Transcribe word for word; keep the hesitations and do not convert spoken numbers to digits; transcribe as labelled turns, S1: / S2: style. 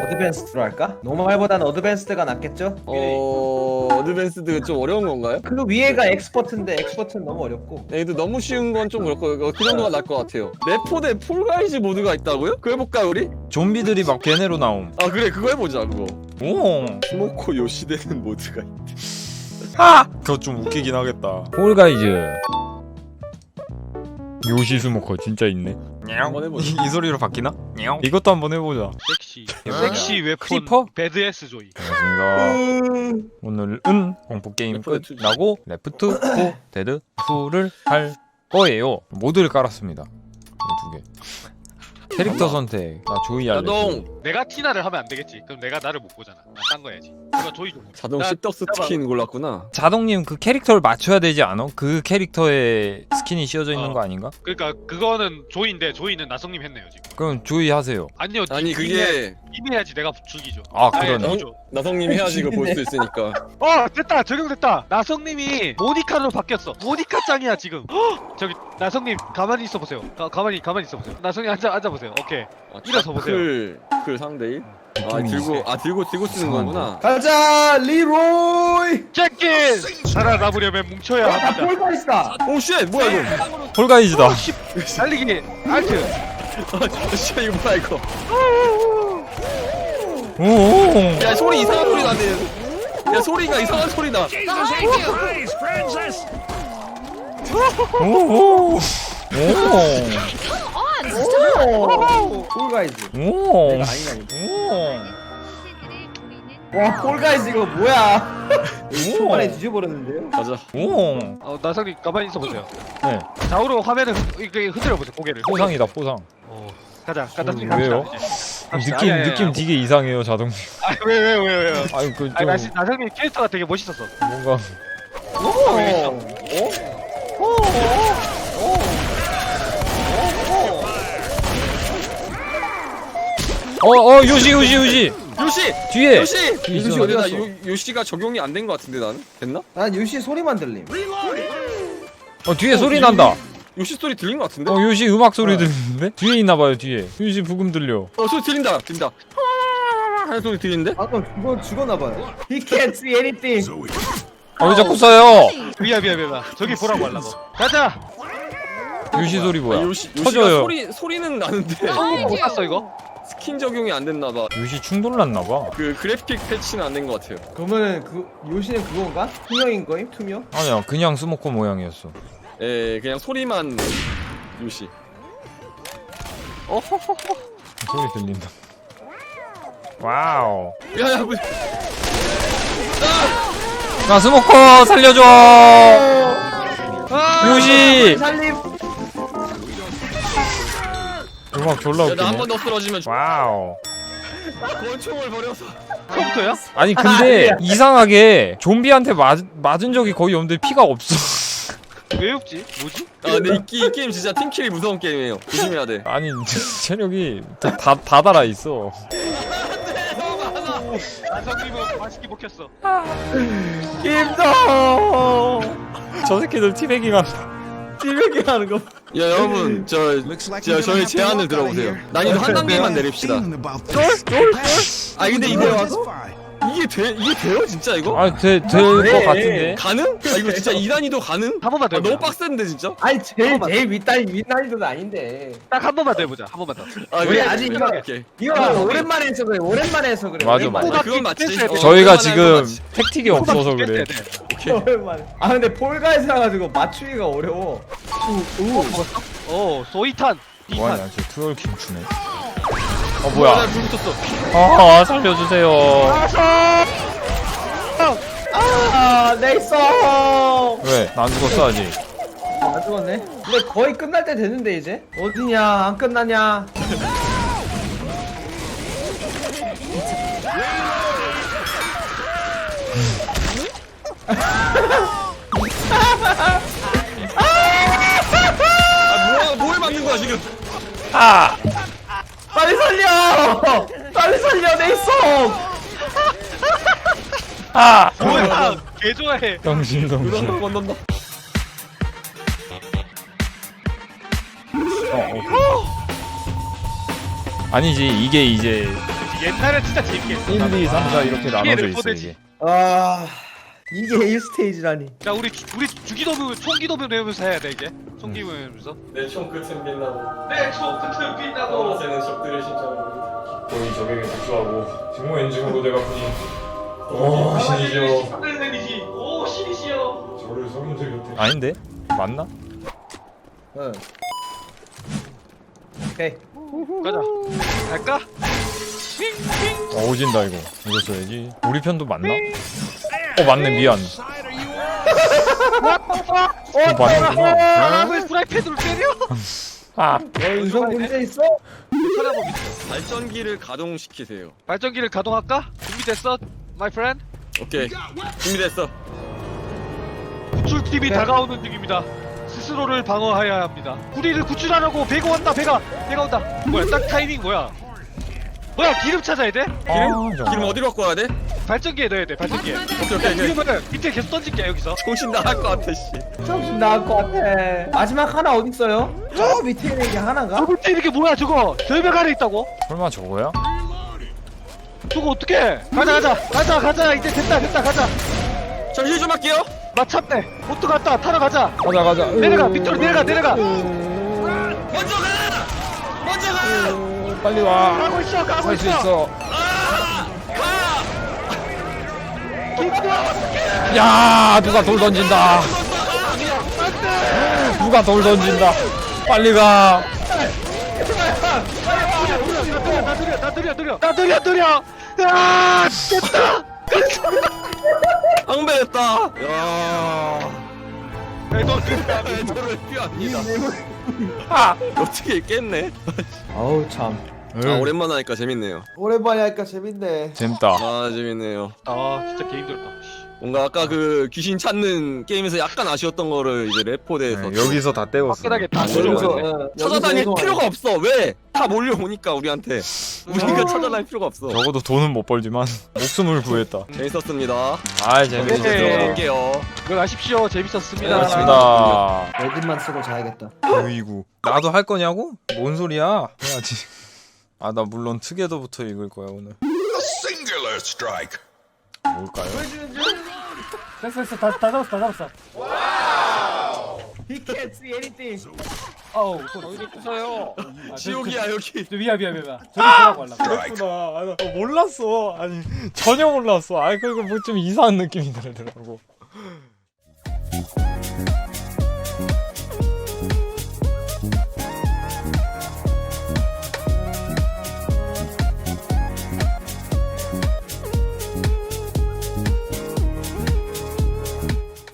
S1: 어드밴스드로 할까? 노멀보다는 어드밴스드가 낫겠죠?
S2: 어... 어드밴스드 좀 어려운 건가요?
S1: 그 위에가 엑스퍼트인데 엑스퍼트는 너무 어렵고.
S2: 얘도 너무 쉬운 건 좀 그렇고 그 정도가 나을 것 같아요. 레포 대 폴가이즈 모드가 있다고요? 그거 해볼까 우리?
S3: 좀비들이 막 걔네로 나옴.
S2: 아 그래 그거 해보자 그거.
S3: 오.
S2: 스모코 요시 되는 모드가 있대.
S3: 하! 그거 좀 웃기긴 하겠다. 폴가이즈. 요시 스모커 진짜 있네.
S2: 한번 해보자.
S3: 이, 이 소리로 바뀌나? 이것도 한번 해보자.
S4: 섹시 섹시 웨폰
S3: 크리퍼?
S4: 배드에스 조이.
S3: 반갑습니다. 오늘은 공포 게임
S2: 레프트
S3: 끝나고 레프트 포 데드 투를 할 거예요. 모드를 깔았습니다. 이 두 개. 캐릭터 선택. 나 조이 할래.
S2: 자동
S4: 내가 티나를 하면 안 되겠지. 그럼 내가 나를 못 보잖아. 난딴거 해야지. 이거 조이 좀.
S2: 자동
S4: 나-
S2: 십덕스 스킨 골랐구나.
S3: 자동님 그 캐릭터를 맞춰야 되지 않아? 그 캐릭터에 스킨이 씌워져 있는
S4: 어.
S3: 거 아닌가?
S4: 그러니까 그거는 조이인데 조이는 나성님 했네요 지금.
S3: 그럼 조이 하세요.
S4: 아니요.
S2: 아니
S4: 님
S2: 그게
S4: 이미 해야지 내가 죽이죠.
S3: 아,
S4: 아니,
S3: 그러네.
S4: 죽이죠.
S2: 나성님이 해야지 이거 볼 수 있으니까.
S4: 어 됐다 적용됐다. 나성님이 모니카로 바뀌었어. 모니카 짱이야 지금. 헉! 저기 나성님 가만히 있어 보세요. 가, 가만히 가만히 있어 보세요. 나성님 앉아 앉아 보세요. 오케이.
S2: 아,
S4: 일어서 보세요.
S2: 클, 클 상대일? 아 들고 아 들고 들고 쓰는 거구나.
S1: 가자 리로이.
S4: 제끼 살아남으려면 뭉쳐야
S1: 아
S4: 합니다.
S1: 폴가이스다.
S2: 오 쉣! 뭐야 이거?
S3: 폴가이즈다.
S4: 달리기 알트.
S2: 아 씨 이거 뭐야 이거?
S3: 오오.
S2: 야 소리 이상한 소리 나네. 야 소리가 이상한 소리 나.
S3: 오오.
S1: 오. 폴가이즈.
S3: 오.
S1: 내가 아니가 아니고.
S3: 오.
S1: 와 폴가이즈 이거 뭐야? 초반에 뒤져버렸는데요?
S2: 가자.
S3: 오.
S4: 어 나성님 가만히 있어 보세요.
S3: 네.
S4: 좌우로 화면을 흔- 이렇게 흔들어 보세요. 고개를.
S3: 포상이다 포상.
S4: 어, 가자. 가자.
S3: 음,
S4: 갑시다,
S3: 왜요?
S4: 이제. 갑시다.
S3: 느낌
S4: 아니, 아니,
S3: 느낌
S4: 아니.
S3: 되게 이상해요 자동님.
S4: 아왜왜 왜 왜요?
S3: 아니 그
S4: 아니 나
S3: 좀
S4: 나성님 캐릭터가 되게 멋있었어.
S3: 뭔가 어어 요시 요시 요시
S2: 요시!
S3: 뒤에
S2: 요시!
S1: 요시
S2: 요시
S1: 어디
S2: 나
S1: 갔어?
S2: 요, 요시가 적용이 안 된 것 같은데 나는? 됐나?
S1: 난 요시 소리만 들림.
S3: 어 뒤에 소리 난다.
S2: 요시 소리 들린 것 같은데?
S3: 어 요시 음악 소리
S1: 어.
S3: 들리는데 뒤에 있나봐요 뒤에 요시 부금 들려.
S2: 어 소리 들린다 들린다. 하는 소리 들리는데?
S1: 아 그럼 죽어 죽었나봐요. He can't see anything.
S3: 아 왜 자꾸 써요?
S4: 미안 미안 미안. 저기 보라고 하려고. 가자.
S3: 요시 소리
S2: 아,
S3: 뭐야?
S2: 요시 요시가
S3: 터져요.
S2: 소리 소리는 나는데
S4: 못 샀어 이거?
S2: 스킨 적용이 안 됐나 봐.
S3: 요시 충돌 났나봐.
S2: 그 그래픽 패치는 안 된 것 같아요.
S1: 그러면은 그 요시는 그건가? 투명인 거임? 투명?
S3: 아니야 그냥 스모커 모양이었어.
S2: 예, 그냥 소리만 요시. 어허허허.
S3: 소리 들린다. 와우.
S2: 야야 뭐.
S3: 나 스모커 살려줘. 요시.
S1: 살림.
S3: 음악 졸라
S2: 야 나 한
S3: 웃기네.
S2: 번 더 쓰러지면 죽-
S3: 와우.
S2: 권총을 버려서.
S4: 컴퓨터야?
S3: 아니 근데 이상하게 좀비한테 맞, 맞은 적이 거의 없는데 피가 없어.
S4: 왜 없지? 뭐지?
S2: 아 근데 이, 이 게임 진짜 팀킬이 무서운 게임이에요. 조심해야 돼.
S3: 아니 체력이 다, 다, 다 달아 있어.
S4: 나성님은 맛있게 먹혔어.
S1: 김성.
S3: 저 새끼들 티베깅 한다.
S1: 티베기 하는 거.
S2: 야 여러분 저, 저 저희 제안을 들어보세요. 난이도 한 단계만 내립시다. 아 근데 이거 와서 이게 돼 이게 돼요 진짜 이거?
S3: 아니 될것
S1: 네.
S3: 같은데.
S2: 가능? 아 이거 진짜 이 단위도 가능?
S4: 한 번만 더
S2: 아,
S4: 해보자.
S2: 너무 빡센데 진짜?
S1: 아니 제일 제일 윗단이 윗난이도는 아닌데.
S4: 딱 한 번만 더 해보자. 한 번만 더.
S2: 아
S1: 우리 아직 이거
S2: 오케이.
S1: 이거 오랜만에 해서 그래. 오랜만에 해서 그래.
S3: 맞아,
S1: 오랜만에.
S3: 맞아.
S2: 아, 그건 맞지.
S4: 뺐어야 돼.
S2: 어,
S3: 저희가
S2: 그건
S3: 지금
S2: 맞지.
S3: 택틱이 없어서 그래.
S1: 오랜만에. 아 근데 폴가이즈 나가지고 맞추기가 어려워.
S4: 어 소이탄.
S3: 뭐하냐
S4: 이탄.
S3: 쟤 트월킹 추네. 어
S2: 아,
S3: 뭐야?
S2: 나불 붙었어.
S3: 아 살려주세요.
S1: 아 네이성.
S3: 왜? 나 안 죽었어 아직.
S1: 안 죽었네. 근데 거의 끝날 때 됐는데 이제. 어디냐? 안 끝나냐?
S2: 아 뭐야 뭘 맞는 거야 지금?
S3: 아!
S1: 빨리 살려! 빨리 살려 네이성.
S3: 아!
S4: 뭐야? 개 좋아해.
S3: 정신 정신.
S2: 건넌다 건넌다.
S3: 어, 어. 아니지 이게 이제
S4: 옛날에 진짜 재밌게 했어.
S3: 일, 이, 삼, 사 이렇게 나눠져 있어
S4: 레포대지.
S3: 이게.
S1: 아 이게 일 스테이지라니.
S4: 야 우리 주- 우리 주기도면 총기도면 외우면서 해야 돼 이제. 총기도 외우면서.
S2: 내 총 끝은 빛나고
S4: 내총 끝을 빛나고.
S2: 새는 적들의 심장으로.
S3: 거의 적에게 복수하고 직무 엔진으로 내가 뿐이.
S2: 오, 신이시여.
S4: 상대적이지. 오 신이시여.
S3: 저를 속인 적이 없대. 아닌데? 맞나?
S1: 응. 오케이.
S4: 가자. 갈까?
S3: 어, 오진다 이거. 이거 써야지. 우리 편도 맞나? 어 맞네 미안. 어 맞는구나.
S4: 아, 왜 프라이팬으로 때려?
S3: 아
S1: 연속 문제 있어?
S4: 찾아보기 있어.
S2: 발전기를 가동시키세요.
S4: 발전기를 가동할까? 준비됐어, my friend?
S2: 오케이. 준비됐어.
S4: 구출팀이 다가오는 중입니다. 스스로를 방어해야 합니다. 우리를 구출하라고 배가 온다, 배가, 배가 온다. 뭐야, 딱 타이밍 뭐야? 뭐야, 기름 찾아야 돼?
S3: 기름?
S2: 기름 어디로 갖고 와야 돼?
S4: 발전기에 넣어야 돼, 발전기에.
S2: 오케이 오케이 오케이.
S4: 기름을 밑에 계속 던질게 여기서.
S2: 정신 나갈 것 같아 씨.
S1: 정신 나갈 것 같아. 마지막 하나 어디 있어요? 저 밑에 있는 게 하나가?
S4: 저거 때 이게 뭐야, 저거? 절벽 아래 있다고?
S3: 설마 저거야?
S4: 저거 어떡해? 가자, 가자, 가자, 가자. 이제 됐다, 됐다, 가자.
S2: 저 힐 좀 할게요.
S4: 마참네. 보트 갔다, 타러 가자.
S3: 가자 가자.
S4: 내려가, 밑으로 내려가, 내려가.
S2: 먼저 가. 먼저 가.
S3: 빨리 와.
S4: 가고 있어, 가고
S3: 할 수
S4: 있어.
S3: 있어.
S2: 아! 가.
S4: 기름.
S3: 야 누가 돌 던진다. 누가 돌 던진다. 빨리 가.
S4: 나 느려, 나 느려, 느려, 나 느려, 느려. 아, 됐다.
S2: 앙배했다. 야.
S4: 너
S2: 저를 피합니다.
S3: 아.
S2: 어떻게 깼네?
S1: 아우 참.
S2: 아 오랜만에 하니까 재밌네요.
S1: 오랜만에 하니까 재밌네.
S3: 재밌다.
S2: 아 재밌네요.
S4: 아, 진짜 개 힘들었다.
S2: 뭔가 아까 그 귀신 찾는 게임에서 약간 아쉬웠던 거를 이제 레포대에서
S3: 네, 여기서 다 때웠어.
S4: 화끈하게 다
S2: 여기서,
S4: 조져버렸네.
S1: 어,
S2: 찾아다닐
S1: 여기서
S2: 필요가 없어. 왜? 다 몰려오니까 우리한테. 우리가 찾아다닐 필요가 없어.
S3: 적어도 돈은 못 벌지만 목숨을 구했다.
S2: 재밌었습니다.
S3: 아
S2: 이제
S3: 재밌었어.
S4: 네.
S2: 들어갈게요.
S4: 들어가십시오. 재밌었습니다.
S3: 고맙습니다.
S1: 레드만 쓰고 자야겠다.
S3: 으이구. 나도 할 거냐고? 뭔 소리야? 해야지. 아 나 물론 투게더부터 읽을 거야 오늘.
S5: Singular strike.
S3: 뭘까요?
S6: 됐어 됐어 다, 다 잡았어 다 잡았어.
S1: He can't see anything.
S6: 어우 어디 부서요.
S2: 지옥이야 여기.
S6: 미안 미안 미안. 저기 들어가고 할라.
S3: 그렇구나. 아, 나 몰랐어. 아니 전혀 몰랐어. 아 그리고 뭐 좀 이상한 느낌이 들더라고.